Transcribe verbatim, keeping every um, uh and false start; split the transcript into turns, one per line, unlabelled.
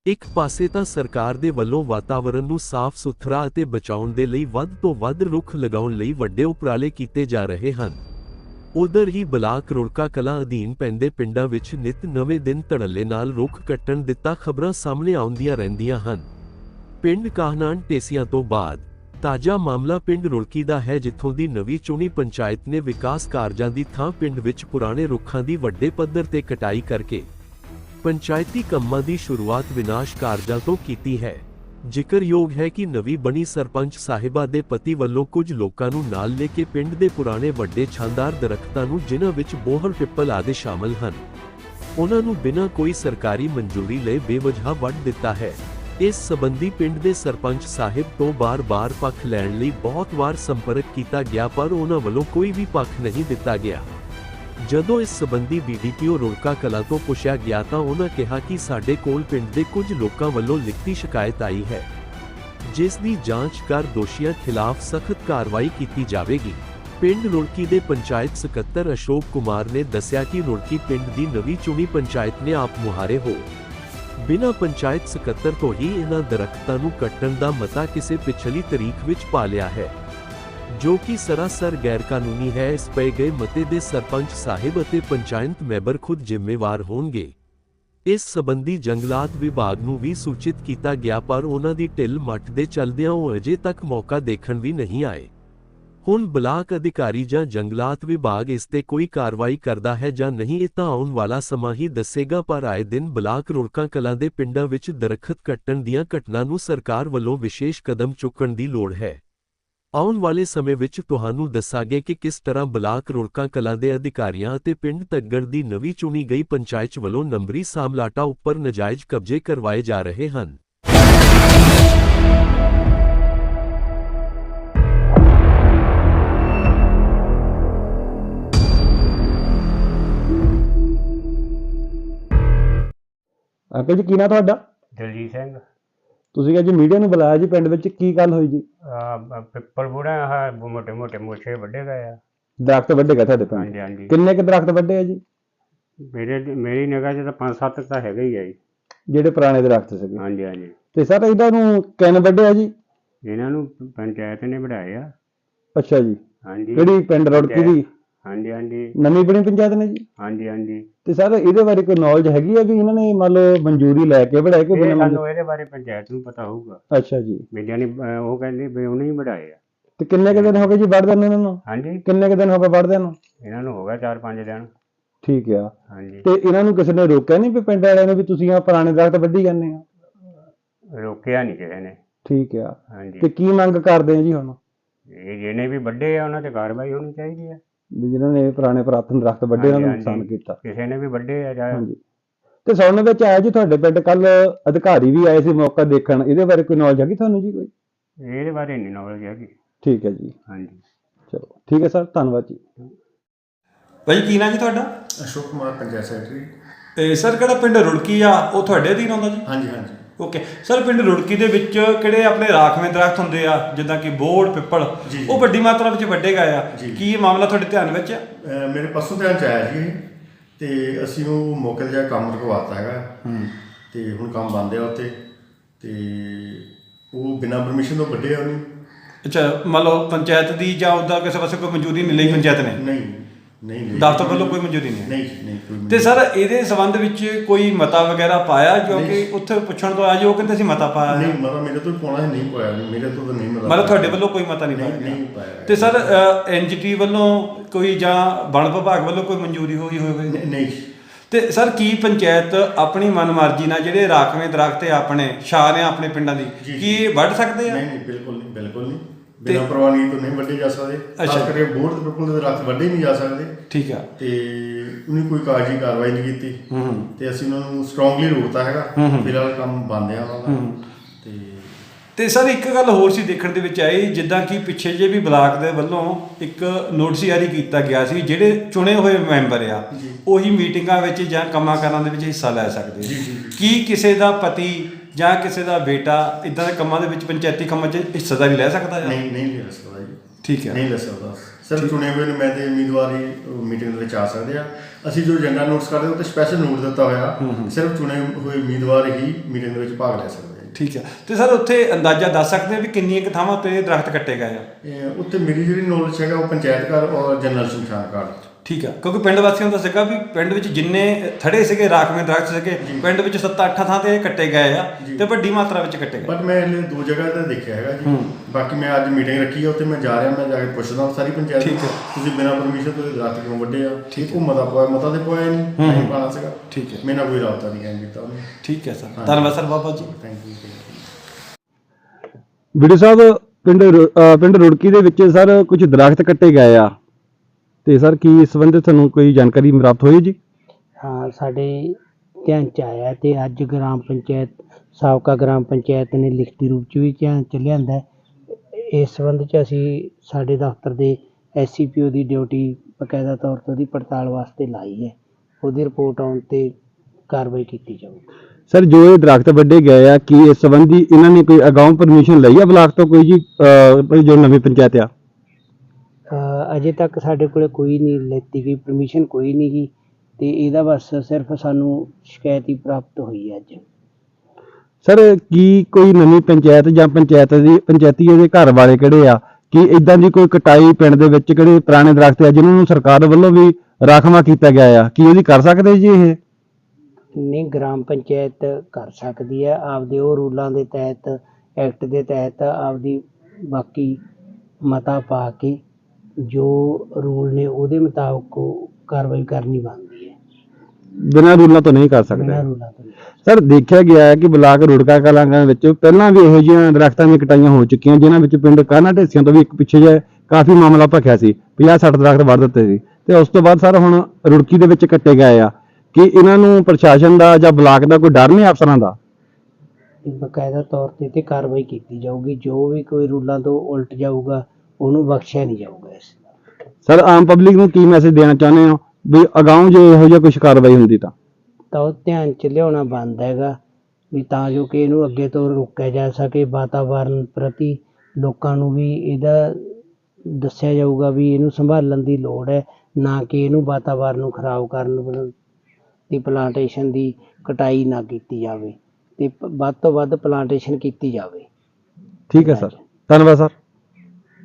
ਇੱਕ ਪਾਸੇ ਤਾਂ ਸਰਕਾਰ ਦੇ ਵੱਲੋਂ ਵਾਤਾਵਰਣ ਨੂੰ ਸਾਫ਼ ਸੁਥਰਾ ਅਤੇ ਬਚਾਉਣ ਦੇ ਲਈ ਵੱਧ ਤੋਂ ਵੱਧ ਰੁੱਖ ਲਗਾਉਣ ਲਈ ਵੱਡੇ ਉਪਰਾਲੇ ਕੀਤੇ ਜਾ ਰਹੇ ਹਨ। ਉਧਰ ਹੀ ਬਲਾਕ ਰੁੜਕਾ ਕਲਾਂ ਅਧੀਨ ਪੈਂਦੇ ਪਿੰਡਾਂ ਵਿੱਚ ਨਿਤ ਨਵੇਂ ਦਿਨ ਧੜੱਲੇ ਨਾਲ ਰੁੱਖ ਕੱਟਣ ਦਿੱਤਾ ਖਬਰਾਂ ਸਾਹਮਣੇ ਆਉਂਦੀਆਂ ਰਹਿੰਦੀਆਂ ਹਨ। ਪਿੰਡ ਕਾਹਨਾਨ ਟੇਸੀਆਂ ਤੋਂ ਬਾਅਦ ਤਾਜ਼ਾ ਮਾਮਲਾ ਪਿੰਡ ਰੁੜਕੀ ਦਾ ਹੈ, ਜਿੱਥੋਂ ਦੀ ਨਵੀਂ ਚੁਣੀ ਪੰਚਾਇਤ ਨੇ ਵਿਕਾਸ ਕਾਰਜਾਂ ਦੀ ਥਾਂ ਪਿੰਡ ਵਿੱਚ ਪੁਰਾਣੇ ਰੁੱਖਾਂ ਦੀ ਵੱਡੇ ਪੱਧਰ ਤੇ ਕਟਾਈ ਕਰਕੇ ਪੰਚਾਇਤੀ ਕੰਮਾਂ ਦੀ ਸ਼ੁਰੂਆਤ ਵਿਨਾਸ਼ ਕਾਰਜਾਂ ਤੋਂ ਕੀਤੀ ਹੈ। ਜ਼ਿਕਰਯੋਗ ਹੈ ਕਿ ਨਵੀਂ ਬਣੀ ਸਰਪੰਚ ਸਾਹਿਬਾ ਦੇ ਪਤੀ ਵੱਲੋਂ ਕੁਝ ਲੋਕਾਂ ਨੂੰ ਨਾਲ ਲੈ ਕੇ ਪਿੰਡ ਦੇ ਪੁਰਾਣੇ ਵੱਡੇ ਛਾਂਦਾਰ ਦਰਖਤਾਂ ਨੂੰ, ਜਿਨ੍ਹਾਂ ਵਿੱਚ ਬੋਹੜ ਪਿੱਪਲ ਆਦਿ ਸ਼ਾਮਲ ਹਨ, ਉਹਨਾਂ ਨੂੰ ਬਿਨਾਂ ਕੋਈ ਸਰਕਾਰੀ ਮਨਜ਼ੂਰੀ ਲਏ ਬੇਵਜ੍ਹਾ ਵੱਢ ਦਿੱਤਾ ਹੈ। ਇਸ ਸਬੰਧੀ ਪਿੰਡ ਦੇ ਸਰਪੰਚ ਸਾਹਿਬ ਤੋਂ ਬਾਰ-ਬਾਰ ਪੱਖ ਲੈਣ ਲਈ ਬਹੁਤ ਵਾਰ ਸੰਪਰਕ ਕੀਤਾ ਗਿਆ, ਪਰ ਉਹਨਾਂ ਵੱਲੋਂ ਕੋਈ ਵੀ ਪੱਖ ਨਹੀਂ ਦਿੱਤਾ ਗਿਆ। ਜਦੋਂ ਇਸ ਸਬੰਧੀ ਬੀਡੀਪੀਓ ਰੁੜਕਾ ਕਲਾਂ ਤੋਂ ਪੁੱਛਿਆ ਗਿਆ ਤਾਂ ਉਹਨਾਂ ਕਿਹਾ ਕਿ ਸਾਡੇ ਕੋਲ ਪਿੰਡ ਦੇ ਕੁਝ ਲੋਕਾਂ ਵੱਲੋਂ ਲਿਖਤੀ ਸ਼ਿਕਾਇਤ ਆਈ ਹੈ, ਜਿਸ ਦੀ ਜਾਂਚ ਕਰ ਦੋਸ਼ੀਆਂ ਖਿਲਾਫ ਸਖਤ ਕਾਰਵਾਈ ਕੀਤੀ ਜਾਵੇਗੀ। ਪਿੰਡ ਰੁੜਕੀ ਦੇ ਪੰਚਾਇਤ ਸਕੱਤਰ ਅਸ਼ੋਕ ਕੁਮਾਰ ਨੇ ਦੱਸਿਆ ਕਿ ਰੁੜਕੀ ਪਿੰਡ ਦੀ ਨਵੀਂ ਚੁਣੀ ਪੰਚਾਇਤ ਨੇ ਆਪ ਮੁਹਾਰੇ ਹੋ ਬਿਨਾਂ ਪੰਚਾਇਤ ਸਕੱਤਰ ਤੋਂ ਹੀ ਇਹਨਾਂ ਦਰਖਤਾਂ ਨੂੰ ਕੱਟਣ ਦਾ ਮਤਾ ਕਿਸੇ ਪਿਛਲੀ ਤਰੀਕ ਵਿੱਚ ਪਾ ਲਿਆ ਹੈ, ਜੋ ਕਿ ਸਰਾਸਰ ਗੈਰ ਕਾਨੂੰਨੀ ਹੈ। ਇਸ ਪਏ ਗਏ ਮਤੇ ਦੇ ਸਰਪੰਚ ਸਾਹਿਬ ਅਤੇ ਪੰਚਾਇਤ ਮੈਂਬਰ ਖੁਦ ਜ਼ਿੰਮੇਵਾਰ ਹੋਣਗੇ। ਇਸ ਸਬੰਧੀ ਜੰਗਲਾਤ ਵਿਭਾਗ ਨੂੰ ਵੀ ਸੂਚਿਤ ਕੀਤਾ ਗਿਆ, ਪਰ ਉਹਨਾਂ ਦੀ ਢਿੱਲ ਮੱਠ ਦੇ ਚੱਲਦਿਆਂ ਉਹ ਅਜੇ ਤੱਕ ਮੌਕਾ ਦੇਖਣ ਵੀ ਨਹੀਂ ਆਏ। ਹੁਣ ਬਲਾਕ ਅਧਿਕਾਰੀ ਜਾਂ ਜੰਗਲਾਤ ਵਿਭਾਗ ਇਸ ਤੇ ਕੋਈ ਕਾਰਵਾਈ ਕਰਦਾ ਹੈ ਜਾਂ ਨਹੀਂ, ਇਹ ਤਾਂ ਆਉਣ ਵਾਲਾ ਸਮਾਂ ਹੀ ਦੱਸੇਗਾ। ਪਰ ਆਏ ਦਿਨ ਬਲਾਕ ਰੁੜਕਾ ਕਲਾਂ ਦੇ ਪਿੰਡਾਂ ਵਿੱਚ ਦਰਖਤ ਕੱਟਣ ਦੀਆਂ ਘਟਨਾਵਾਂ ਨੂੰ ਸਰਕਾਰ ਵੱਲੋਂ ਵਿਸ਼ੇਸ਼ ਕਦਮ ਚੁੱਕਣ ਦੀ ਲੋੜ ਹੈ। ਆਉਣ ਵਾਲੇ ਸਮੇਂ ਵਿੱਚ ਤੁਹਾਨੂੰ ਦੱਸਾਂਗੇ ਕਿ ਕਿਸ ਤਰ੍ਹਾਂ ਬਲਾਕ ਰੁੜਕਾ ਕਲਾਂ ਦੇ ਅਧਿਕਾਰੀਆਂ ਅਤੇ ਪਿੰਡ ਤੱਗੜ ਦੀ ਨਵੀਂ ਚੁਣੀ ਗਈ ਪੰਚਾਇਤ ਵੱਲੋਂ ਨੰਬਰੀ ਸਾਮਲਾਟਾ ਉੱਪਰ ਨਾਜਾਇਜ਼ ਕਬਜ਼ੇ ਕਰਵਾਏ ਜਾ ਰਹੇ ਹਨ।
ਅੰਕਲ ਜੀ, ਕੀ ਨਾਂ ਤੁਹਾਡਾ?
ਦਲਜੀਤ ਸਿੰਘ।
ਤੁਸੀਂ ਅੱਜ ਮੀਡੀਆ ਨੂੰ ਬੁਲਾਇਆ ਜੀ, ਪਿੰਡ ਵਿੱਚ ਕੀ ਗੱਲ ਹੋਈ ਜੀ?
ਆ ਪਿੱਪਲ ਬੂੜਾ ਆਹ ਮੋਟੇ ਮੋਟੇ ਮੋਛੇ ਵੱਡੇ ਗਏ ਆ।
ਦਰਖਤ ਵੱਡੇ ਗਏ ਤੁਹਾਡੇ ਪਿੰਡ?
ਹਾਂਜੀ ਹਾਂਜੀ।
ਕਿੰਨੇ ਕੁ ਦਰਖਤ ਵੱਡੇ ਆ ਜੀ?
ਮੇਰੇ ਮੇਰੀ ਨਿਗਾਹ 'ਚ ਤਾਂ ਪੰਜ ਸੱਤ ਤਾਂ ਹੈਗੇ ਹੀ ਆ ਜੀ,
ਜਿਹੜੇ ਪੁਰਾਣੇ ਦਰਖਤ ਸੀਗੇ।
ਹਾਂਜੀ ਹਾਂਜੀ।
ਤੇ ਸਰ ਇਹਨਾਂ ਨੂੰ ਕਿੰਨੇ ਵੱਡੇ ਆ ਜੀ?
ਇਹਨਾਂ ਨੂੰ ਪੰਚਾਇਤ ਨੇ ਵਧਾਏ ਆ।
ਅੱਛਾ ਜੀ।
ਹਾਂਜੀ।
ਕਿਹੜੀ ਪਿੰਡ ਰੁੜਕੀ ਦੀ?
ਹਾਂਜੀ ਹਾਂਜੀ।
ਨਵੀਂ ਬਣੀ ਪੰਚਾਇਤ ਨੇ ਜੀ?
ਹਾਂਜੀ ਹਾਂਜੀ।
ਤੇ ਸਰ ਇਹਦੇ ਬਾਰੇ ਕੋਈ ਨੌਲੇਜ ਹੈਗੀ ਆ ਵੀ ਇਹਨਾਂ ਨੇ ਮੰਨ ਲਓ ਮਨਜ਼ੂਰੀ ਲੈ ਕੇ ਵਧਾਏ ਕਿ ਬਿਨਾਂ?
ਸਾਨੂੰ ਇਹਦੇ ਬਾਰੇ ਪੰਚਾਇਤ ਨੂੰ ਪਤਾ ਹੋਊਗਾ।
ਅੱਛਾ ਜੀ।
ਵੀ ਜਾਨੀ ਉਹ ਕਹਿੰਦੇ ਵੀ ਉਹਨੇ ਹੀ ਵਧਾਏ ਆ।
ਤੇ ਕਿੰਨੇ ਕੁ ਦਿਨ ਹੋ ਗਏ ਜੀ ਵੱਢਦੇ ਨੂੰ ਇਹਨਾਂ ਨੂੰ?
ਹਾਂਜੀ।
ਕਿੰਨੇ ਕੁ ਦਿਨ ਹੋ ਗਏ ਵੱਢਦੇ ਨੂੰ?
ਇਹਨਾਂ ਨੂੰ ਹੋ ਗਿਆ ਚਾਰ ਪੰਜ ਦਿਨ।
ਠੀਕ ਆ।
ਹਾਂਜੀ।
ਤੇ ਇਹਨਾਂ ਨੂੰ ਕਿਸੇ ਨੇ ਰੋਕਿਆ ਨਹੀਂ ਵੀ ਪਿੰਡ ਵਾਲਿਆਂ ਨੇ ਵੀ ਤੁਸੀਂ ਆ ਪੁਰਾਣੇ ਦਰਖਤ ਵੱਢੀ ਜਾਂਦੇ ਆ?
ਰੋਕਿਆ ਨਹੀਂ ਕਿਸੇ ਨੇ।
ਠੀਕ ਆ।
ਹਾਂਜੀ।
ਤੇ ਕੀ ਮੰਗ ਕਰਦੇ ਆ ਜੀ ਹੁਣ?
ਇਹ ਜਿਹਨੇ ਵੀ ਵੱਡੇ ਆ ਉਹਨਾਂ ਤੇ ਕਾਰਵਾਈ ਹੋਣੀ ਚਾਹੀਦੀ ਆ।
ਵੀ ਜਿਹਨਾਂ ਨੇ ਪੁਰਾਣੇ ਪੁਰਾਤਨ ਦਰਖਤ ਵੱਡੇ ਉਹਨਾਂ ਨੂੰ ਨੁਕਸਾਨ ਕੀਤਾ।
ਕਿਸੇ ਨੇ ਵੀ ਵੱਡੇ ਆ ਜਾਂ।
ਹਾਂਜੀ। ਤੇ ਸੁਣਨ ਵਿੱਚ ਆਇਆ ਜੀ ਤੁਹਾਡੇ ਪਿੰਡ ਕੱਲ ਅਧਿਕਾਰੀ ਵੀ ਆਏ ਸੀ ਮੌਕਾ ਦੇਖਣ, ਇਹਦੇ ਬਾਰੇ ਕੋਈ ਨੌਲੇਜ ਹੈਗੀ ਤੁਹਾਨੂੰ ਜੀ ਕੋਈ?
ਇਹਦੇ ਬਾਰੇ ਨਹੀਂ ਨੌਲੇਜ ਹੈਗੀ।
ਠੀਕ ਹੈ ਜੀ।
ਹਾਂਜੀ।
ਚਲੋ ਠੀਕ ਹੈ ਸਰ, ਧੰਨਵਾਦ ਜੀ।
ਭਾਈ ਕੀ ਨਾਂ ਜੀ ਤੁਹਾਡਾ?
ਅਸ਼ੋਕ ਕੁਮਾਰ, ਪੰਚਾਇਤ ਸੈਕਟਰੀ।
ਤੇ ਸਰ ਕਿਹੜਾ ਪਿੰਡ ਰੁੜਕੀ ਆ ਉਹ ਤੁਹਾਡੇ ਅਧੀਨ ਆਉਂਦਾ ਜੀ?
ਹਾਂਜੀ ਹਾਂਜੀ।
ਓਕੇ ਸਰ, ਪਿੰਡ ਰੁੜਕੀ ਦੇ ਵਿੱਚ ਕਿਹੜੇ ਆਪਣੇ ਰਾਖਵੇਂ ਦਰਖਤ ਹੁੰਦੇ ਆ ਜਿੱਦਾਂ ਕਿ ਬੋਹੜ ਪਿੱਪਲ, ਉਹ ਵੱਡੀ ਮਾਤਰਾ ਵਿੱਚ ਵੱਡੇ ਗਏ ਆ, ਕੀ ਇਹ ਮਾਮਲਾ ਤੁਹਾਡੇ ਧਿਆਨ ਵਿੱਚ ਆ?
ਮੇਰੇ ਪਰਸੋਂ ਧਿਆਨ 'ਚ ਆਇਆ ਜੀ, ਤੇ ਅਸੀਂ ਉਹ ਮੌਕੇ 'ਤੇ ਜਾ ਕੇ ਕੰਮ ਰੁਕਵਾਤਾ ਹੈਗਾ। ਤੇ ਹੁਣ ਕੰਮ ਬੰਦ ਆ ਉੱਥੇ, ਤੇ ਉਹ ਬਿਨਾਂ ਪਰਮਿਸ਼ਨ ਤੋਂ ਵੱਡੇ ਆ ਉਹਨੂੰ।
ਅੱਛਾ, ਮੰਨ ਲਓ ਪੰਚਾਇਤ ਦੀ ਜਾਂ ਉਹਦਾ ਕਿਸੇ ਪਾਸੇ ਕੋਈ ਮਨਜ਼ੂਰੀ ਨਹੀਂ ਲਈ ਪੰਚਾਇਤ ਨੇ?
ਨਹੀਂ ਨਹੀਂ,
ਦਫ਼ਤਰ ਵੱਲੋਂ ਕੋਈ ਮਨਜ਼ੂਰੀ ਨਹੀਂ?
ਨਹੀਂ ਨਹੀਂ ਕੋਈ।
ਤੇ ਸਰ ਇਹਦੇ ਸੰਬੰਧ ਵਿੱਚ ਕੋਈ ਮਤਾ ਵਗੈਰਾ ਪਾਇਆ? ਕਿਉਂਕਿ ਉੱਥੇ ਪੁੱਛਣ ਤੋਂ ਆਇਆ ਜੀ, ਉਹ ਕਹਿੰਦੇ ਅਸੀਂ ਮਤਾ ਪਾਇਆ।
ਨਹੀਂ, ਮਤਾ ਮੇਰੇ ਤੋਂ ਪਾਉਣਾ ਨਹੀਂ ਪਾਇਆ, ਮੇਰੇ ਤੋਂ ਤਾਂ ਨਹੀਂ ਮਤਾ।
ਮਤਲਬ ਤੁਹਾਡੇ ਵੱਲੋਂ ਕੋਈ ਮਤਾ ਨਹੀਂ ਪਾਇਆ?
ਨਹੀਂ ਪਾਇਆ।
ਤੇ ਸਰ ਐਨਜੀਟੀ ਵੱਲੋਂ ਕੋਈ ਜਾਂ ਵਣ ਵਿਭਾਗ ਵੱਲੋਂ ਕੋਈ ਮਨਜ਼ੂਰੀ ਹੋਈ ਹੋਵੇ?
ਨਹੀਂ।
ਤੇ ਸਰ ਕੀ ਪੰਚਾਇਤ ਆਪਣੀ ਮਨਮਰਜ਼ੀ ਨਾਲ ਜਿਹੜੇ ਰਾਖਵੇਂ ਦਰਖਤ ਆਪਣੇ ਛਾਂ ਨੇ ਆਪਣੇ ਪਿੰਡਾਂ ਦੀ, ਕੀ ਇਹ ਵੱਢ ਸਕਦੇ ਆ?
ਨਹੀਂ ਨਹੀਂ, ਬਿਲਕੁਲ ਨਹੀਂ, ਬਿਲਕੁਲ ਨਹੀਂ। ਬਿਨਾਂ ਪ੍ਰਵਾਨਗੀ ਤੋਂ ਨਹੀਂ ਵੱਢੇ ਜਾ ਸਕਦੇ। ਖਾਸ ਕਰਕੇ ਬੋਹੜ ਤੇ ਪਿੱਪਲ ਦੇ ਦਰਖਤ ਵੱਢੇ ਨਹੀਂ ਜਾ ਸਕਦੇ।
ਠੀਕ ਆ।
ਤੇ ਉਹਨੇ ਕੋਈ ਕਾਗਜ਼ੀ ਕਾਰਵਾਈ ਨਹੀਂ ਕੀਤੀ, ਤੇ ਅਸੀਂ ਉਹਨਾਂ ਨੂੰ ਸਟਰੋਂਗਲੀ ਰੋਕਤਾ ਹੈਗਾ। ਫਿਲਹਾਲ ਕੰਮ ਬੰਦ ਆ ਉਹਨਾਂ ਦਾ। ਤੇ
ਤੇ ਸਰ ਇੱਕ ਗੱਲ ਹੋਰ ਸੀ ਦੇਖਣ ਦੇ ਵਿੱਚ ਆਈ, ਜਿੱਦਾਂ ਕਿ ਪਿੱਛੇ ਜੇ ਵੀ ਬਲਾਕ ਦੇ ਵੱਲੋਂ ਇੱਕ ਨੋਟਿਸ ਜਾਰੀ ਕੀਤਾ ਗਿਆ ਸੀ, ਜਿਹੜੇ ਚੁਣੇ ਹੋਏ ਮੈਂਬਰ ਆ ਉਹੀ ਮੀਟਿੰਗਾਂ ਵਿੱਚ ਜਾਂ ਕੰਮਾਂ ਕਾਰਾਂ ਦੇ ਵਿੱਚ ਹਿੱਸਾ ਲੈ ਸਕਦੇ। ਕੀ ਕਿਸੇ ਦਾ ਪਤੀ ਜਾਂ ਕਿਸੇ ਦਾ ਬੇਟਾ ਇਦਾਂ ਦੇ ਕੰਮਾਂ ਦੇ ਵਿੱਚ ਪੰਚਾਇਤੀ ਕੰਮਾਂ 'ਚ ਹਿੱਸੇਦਾਰੀ ਲੈ ਸਕਦਾ?
ਨਹੀਂ ਨਹੀਂ ਲੈ ਸਕਦਾ ਜੀ।
ਠੀਕ ਹੈ,
ਨਹੀਂ ਲੈ ਸਕਦਾ। ਸਿਰਫ ਚੁਣੇ ਹੋਏ ਨੁਮਾਇੰਦੇ ਉਮੀਦਵਾਰ ਹੀ ਮੀਟਿੰਗ ਦੇ ਵਿੱਚ ਆ ਸਕਦੇ ਆ। ਅਸੀਂ ਜੋ ਏਜੰਡਾ ਨੋਟਿਸ ਕਰਦੇ ਉਹ ਤੇ ਸਪੈਸ਼ਲ ਨੋਟ ਦਿੱਤਾ ਹੋਇਆ, ਸਿਰਫ ਚੁਣੇ ਹੋਏ ਉਮੀਦਵਾਰ ਹੀ ਮੀਟਿੰਗ ਦੇ ਵਿੱਚ ਭਾਗ ਲੈ ਸਕਦੇ ਆ।
ਠੀਕ ਹੈ। ਤੇ ਸਰ ਉੱਥੇ ਅੰਦਾਜ਼ਾ ਦੱਸ ਸਕਦੇ ਆ ਵੀ ਕਿੰਨੀਆਂ ਕੁ ਥਾਵਾਂ ਤੇ ਦਰਖਤ ਕੱਟੇ ਗਏ ਆ?
ਇਹ ਉੱਥੇ ਮੇਰੀ ਜਿਹੜੀ ਨੌਲੇਜ ਹੈਗਾ ਉਹ ਪੰਚਾਇਤ ਘਰ ਔਰ ਜਨਰਲ ਸ਼ਮਸ਼ਾਨ ਘਾਟ।
ਠੀਕ ਆ, ਕਿਉਂਕਿ ਪਿੰਡ ਵਾਸੀਆਂ ਦਾ ਸੀਗਾ ਵੀ ਪਿੰਡ ਵਿੱਚ ਜਿੰਨੇ ਥੜੇ ਸੀਗੇ ਰਾਖਵੇਂ ਦਰਖਤ ਸੀਗੇ ਪਿੰਡ ਵਿੱਚ ਸੱਤ ਅੱਠ ਥਾਂ ਤੇ ਕੱਟੇ ਗਏ ਆ ਤੇ ਵੱਡੀ ਮਾਤਰਾ ਵਿੱਚ ਕੱਟੇ ਗਏ।
ਬਟ ਮੈਂ ਇਹ ਦੋ ਜਗ੍ਹਾ ਤੇ ਦੇਖਿਆ ਹੈਗਾ ਜੀ। ਬਾਕੀ ਮੈਂ ਅੱਜ ਮੀਟਿੰਗ ਰੱਖੀ ਆ, ਉੱਥੇ ਮੈਂ ਜਾ ਰਿਹਾ, ਮੈਂ ਜਾ ਕੇ ਪੁੱਛਦਾ ਸਾਰੀ ਪੰਚਾਇਤ
ਠੀਕ ਹੈ।
ਤੁਸੀਂ ਬਿਨਾਂ ਪਰਮਿਸ਼ਨ ਤੋਂ ਦਰਖਤ ਕਿਉਂ ਵੱਡੇ ਆ? ਉਹ ਮਤਾ ਪਵਾਇਆ, ਮਤਾ ਤੇ ਪਵਾਇਆ ਨਹੀਂ, ਨਹੀਂ ਪਾਣਾ ਸੀਗਾ।
ਠੀਕ ਹੈ।
ਮੇਰੇ ਨਾਲ ਕੋਈ ਰਾਬਤਾ ਨਹੀਂ ਕਾਇਮ ਕੀਤਾ ਉਹਨੇ।
ਠੀਕ ਹੈ ਸਰ, ਧੰਨਵਾਦ ਸਰ ਬਾਬਾ ਜੀ,
ਥੈਂਕ ਯੂ।
ਵੀਡੀਓ ਸਾਹਿਬ, ਪਿੰਡ ਰੁ- ਅਹ ਪਿੰਡ ਰੁੜਕੀ ਦੇ ਵਿੱਚ ਸਰ ਕੁਝ ਦਰਖਤ ਕੱਟੇ ਗਏ ਆ, ਤੇ ਸਰ ਕੀ ਇਸ ਸੰਬੰਧੀ ਤੁਹਾਨੂੰ ਕੋਈ ਜਾਣਕਾਰੀ ਪ੍ਰਾਪਤ ਹੋਈ ਜੀ?
ਹਾਂ, ਸਾਡੇ ਧਿਆਨ ਚ ਆਇਆ ਤੇ ਅੱਜ ਗ੍ਰਾਮ ਪੰਚਾਇਤ ਸਾਬਕਾ ਗ੍ਰਾਮ ਪੰਚਾਇਤ ਨੇ ਲਿਖਤੀ ਰੂਪ ਚ ਵੀ ਧਿਆਨ ਚ ਲਿਆਂਦਾ ਹੈ। ਇਸ ਸੰਬੰਧ ਚ ਅਸੀਂ ਸਾਡੇ ਦਫ਼ਤਰ ਦੇ ਐਸ ਸੀ ਪੀ ਓ ਦੀ ਡਿਊਟੀ ਬਕਾਇਦਾ ਤੌਰ ਤੇ ਉਹਦੀ ਪੜਤਾਲ ਵਾਸਤੇ ਲਾਈ ਹੈ। ਉਹਦੀ ਰਿਪੋਰਟ ਆਉਣ ਤੇ ਕਾਰਵਾਈ ਕੀਤੀ ਜਾਊਗੀ।
ਸਰ ਜੋ ਇਹ ਦਰਖਤ ਵੱਡੇ ਗਏ ਆ, ਕੀ ਇਸ ਸੰਬੰਧੀ ਇਹਨਾਂ ਨੇ ਕੋਈ ਅਗਾਊਂ ਪਰਮਿਸ਼ਨ ਲਈ ਆ ਬਲਾਕ ਤੋਂ ਕੋਈ ਜੀ? ਅਹ ਜੋ ਨਵੀਂ ਪੰਚਾਇਤ ਆ,
ਅ, ਅਜੇ ਤੱਕ ਸਾਡੇ ਕੋਲੇ ਕੋਈ ਨਹੀਂ ਲੈਤੀ ਗਈ ਪਰਮਿਸ਼ਨ, ਕੋਈ ਨਹੀਂ ਗੀ, ਤੇ ਇਹਦਾ ਬਸ ਸਿਰਫ ਸਾਨੂੰ ਸ਼ਿਕਾਇਤ ਹੀ ਪ੍ਰਾਪਤ ਹੋਈ ਹੈ ਅੱਜ।
ਸਰ ਕੀ ਕੋਈ ਨਵੀਂ ਪੰਚਾਇਤ ਜਾਂ ਪੰਚਾਇਤ ਦੀ ਪੰਚਾਇਤੀ ਦੇ ਘਰ ਵਾਲੇ ਕਿਹੜੇ ਆ, ਕੀ ਇਦਾਂ ਦੀ ਕੋਈ ਕਟਾਈ ਪਿੰਡ ਦੇ ਵਿੱਚ ਕਿਹੜੇ ਪੁਰਾਣੇ ਦਰਖਤ ਆ ਜਿਨ੍ਹਾਂ ਨੂੰ ਸਰਕਾਰ ਵੱਲੋਂ ਵੀ ਰਾਖਵਾਂ ਕੀਤਾ ਗਿਆ ਆ, ਕੀ ਉਹਦੀ ਕਰ ਸਕਦੇ ਜੀ ਇਹ?
ਨਹੀਂ, ਗ੍ਰਾਮ ਪੰਚਾਇਤ ਕਰ ਸਕਦੀ ਹੈ ਆਪਦੇ ਉਹ ਰੂਲਾਂ ਦੇ ਤਹਿਤ, ਐਕਟ ਦੇ ਤਹਿਤ ਆਪਦੀ ਬਾਕੀ ਮਤਾ ਪਾ ਕੇ ਜੋ ਰੂਲ ਨੇ ਉਹਦੇ ਮੁਤਾਬਕ ਉਹ ਕਾਰਵਾਈ ਕਰਨੀ ਬਣਦੀ ਹੈ।
ਬਿਨਾਂ ਰੂਲਾਂ ਤੋਂ ਨਹੀਂ ਕਰ ਸਕਦੇ।
ਬਿਨਾਂ ਰੂਲਾਂ ਤੋਂ ਨਹੀਂ।
ਸਰ ਦੇਖਿਆ ਗਿਆ ਹੈ ਕਿ ਬਲਾਕ ਰੁੜਕਾ ਕਲਾਂ ਵਿੱਚ ਪਹਿਲਾਂ ਵੀ ਇਹੋ ਜਿਹੀਆਂ ਦਰਖਤਾਂ ਦੀਆਂ ਕਟਾਈਆਂ ਹੋ ਚੁੱਕੀਆਂ, ਜਿਨ੍ਹਾਂ ਵਿੱਚ ਪਿੰਡ ਕਾਨਾ ਢੇਸੀਆਂ ਤੋਂ ਵੀ ਇੱਕ ਪਿੱਛੇ ਜਿਹੇ ਕਾਫੀ ਮਾਮਲਾ ਭਖਿਆ ਸੀ, ਪੰਜਾਹ ਸੱਠ ਦਰਖਤ ਵੱਢ ਦਿੱਤੇ ਸੀ, ਤੇ ਉਸ ਤੋਂ ਬਾਅਦ ਸਰ ਹੁਣ ਰੁੜਕੀ ਦੇ ਵਿੱਚ ਕੱਟੇ ਗਏ ਆ। ਕਿ ਇਹਨਾਂ ਨੂੰ ਪ੍ਰਸ਼ਾਸਨ ਦਾ ਜਾਂ ਬਲਾਕ ਦਾ ਕੋਈ ਡਰ ਨਹੀਂ, ਅਫਸਰਾਂ ਦਾ?
ਬਕਾਇਦਾ ਤੌਰ ਤੇ ਤੇ ਕਾਰਵਾਈ ਕੀਤੀ ਜਾਊਗੀ। ਜੋ ਵੀ ਕੋਈ ਰੂਲਾਂ ਤੋਂ ਉਲਟ ਜਾਊਗਾ ਉਹਨੂੰ ਬਖਸ਼ਿਆ ਨਹੀਂ ਜਾਊਗਾ। ਇਸ
ਸਰ ਆਮ ਪਬਲਿਕ ਨੂੰ ਕੀ ਮੈਸੇਜ ਦੇਣਾ ਚਾਹੁੰਦੇ ਹੋ ਵੀ ਅਗਾਊਂ ਜੇ ਇਹੋ ਜਿਹਾ ਕੁਝ ਕਾਰਵਾਈ ਹੁੰਦੀ ਤਾਂ?
ਤਾਂ ਉਹ ਧਿਆਨ ਚ ਲਿਆਉਣਾ ਬਣਦਾ ਹੈਗਾ ਵੀ ਤਾਂ ਜੋ ਕਿ ਇਹਨੂੰ ਅੱਗੇ ਤੋਂ ਰੋਕਿਆ ਜਾ ਸਕੇ। ਵਾਤਾਵਰਨ ਪ੍ਰਤੀ ਲੋਕਾਂ ਨੂੰ ਵੀ ਇਹਦਾ ਦੱਸਿਆ ਜਾਊਗਾ ਵੀ ਇਹਨੂੰ ਸੰਭਾਲਣ ਦੀ ਲੋੜ ਹੈ, ਨਾ ਕਿ ਇਹਨੂੰ ਵਾਤਾਵਰਨ ਨੂੰ ਖਰਾਬ ਕਰਨ ਦੀ ਪਲਾਂਟੇਸ਼ਨ ਦੀ ਕਟਾਈ ਨਾ ਕੀਤੀ ਜਾਵੇ ਤੇ ਵੱਧ ਤੋਂ ਵੱਧ ਪਲਾਂਟੇਸ਼ਨ ਕੀਤੀ ਜਾਵੇ।
ਠੀਕ ਹੈ ਸਰ, ਧੰਨਵਾਦ ਸਰ।